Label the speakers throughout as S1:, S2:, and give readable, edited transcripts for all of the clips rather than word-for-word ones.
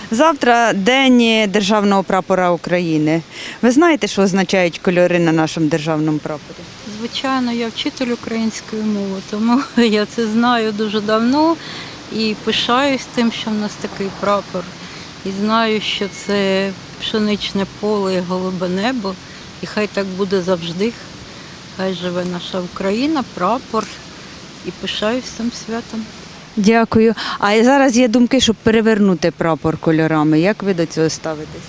S1: Завтра День державного прапора України. Ви знаєте, що означають кольори на нашому державному прапорі?
S2: Звичайно, я вчитель української мови, тому я це знаю дуже давно і пишаюсь тим, що в нас такий прапор. І знаю, що це пшеничне поле і голубе небо. І хай так буде завжди. Хай живе наша Україна, прапор. І пишаюсь цим святом.
S1: Дякую. А зараз є думки, щоб перевернути прапор кольорами. Як ви до цього ставитесь?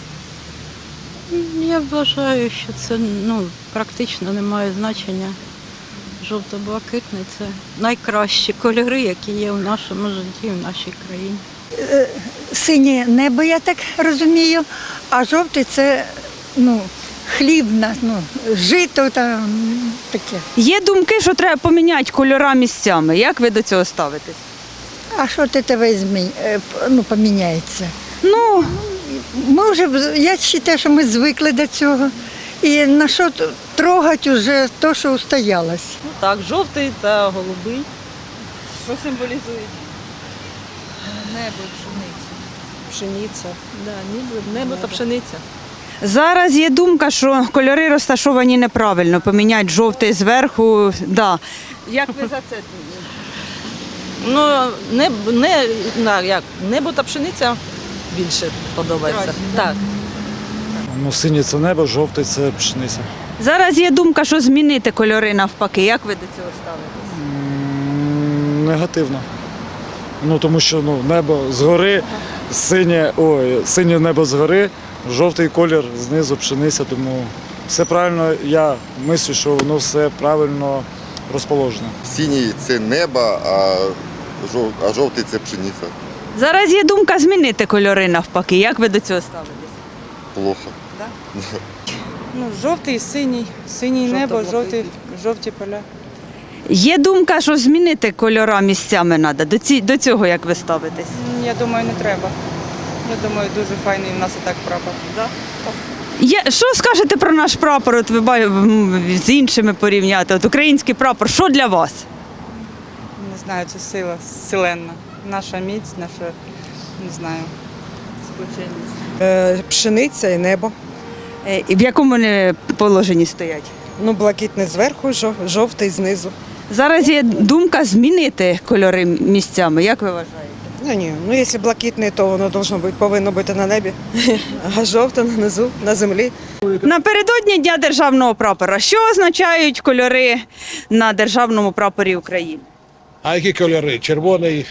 S2: Я вважаю, що це практично не має значення. Жовто-блакитний – це найкращі кольори, які є в нашому житті, в нашій країні.
S3: Синє небо, я так розумію, а жовтий це хліб, жито там таке.
S1: Є думки, що треба поміняти кольори місцями. Як ви до цього ставитесь?
S3: А що ти тебе поміняється?
S1: Ну,
S3: Ми вже, я вважаю, що ми звикли до цього. І на що трогати вже те, що устоялось.
S4: Так, жовтий та голубий. Що символізують?
S5: Небо, пшениця.
S4: Пшениця. Да, небо та пшениця.
S1: зараз є думка, що кольори розташовані неправильно. Поміняти жовтий зверху. Да. Як ви за це?
S4: Небо та пшениця більше подобається. Так.
S6: Синє це небо, жовтий це пшениця.
S1: Зараз є думка, що змінити кольори навпаки. Як ви до цього ставитесь?
S6: Негативно. Тому що небо згори, синє небо згори, жовтий колір знизу, пшениця, тому все правильно, я мислю, що воно все правильно розположено.
S7: Синій це небо, а жовтий це пшениця.
S1: Зараз є думка змінити кольори навпаки. Як ви до цього ставитесь?
S7: Плохо.
S4: Жовтий, синій небо, жовті поля.
S1: Є думка, що змінити кольори місцями треба. До цього як ви ставитесь?
S4: Я думаю, не треба. Я думаю, дуже файний в нас і так прапор. Да?
S1: Що скажете про наш прапор? От ви з іншими порівняти? От український прапор, що для вас?
S4: Не знаю, це сила селенна. Наша міць, наша, не знаю, сплоченість.
S8: Пшениця і небо.
S1: І в якому вони положенні стоять?
S8: Блакитний зверху, жовтий знизу.
S1: Зараз є думка змінити кольори місцями. Як ви вважаєте?
S8: Якщо блакитний, то воно повинно бути на небі, а жовте нанизу, на землі.
S1: Напередодні Дня державного прапора. Що означають кольори на державному прапорі України?
S9: А які кольори? Червоний,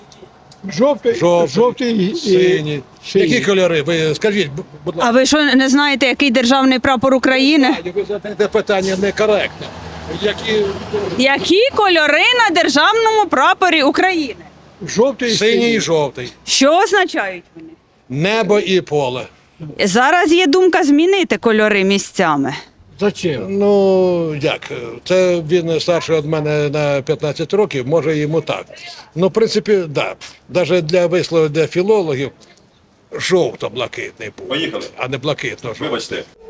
S10: Жовтий і
S9: синій. Які кольори? Ви скажіть, будь
S1: А
S9: ласка.
S1: ви що, не знаєте, який державний прапор України?
S9: Ви задаєте питання некоректне.
S1: Які кольори на державному прапорі України?
S10: жовтий і
S9: Синій і жовтий.
S1: Що означають вони?
S9: Небо і поле.
S1: Зараз є думка змінити кольори місцями.
S10: Зачем?
S9: Як? Це він старший від мене на 15 років, може йому так. В принципі, так. Да. Навіть для вислову для філологів жовто-блакитний був, а не блакитно-жовтий.
S11: Вибачте.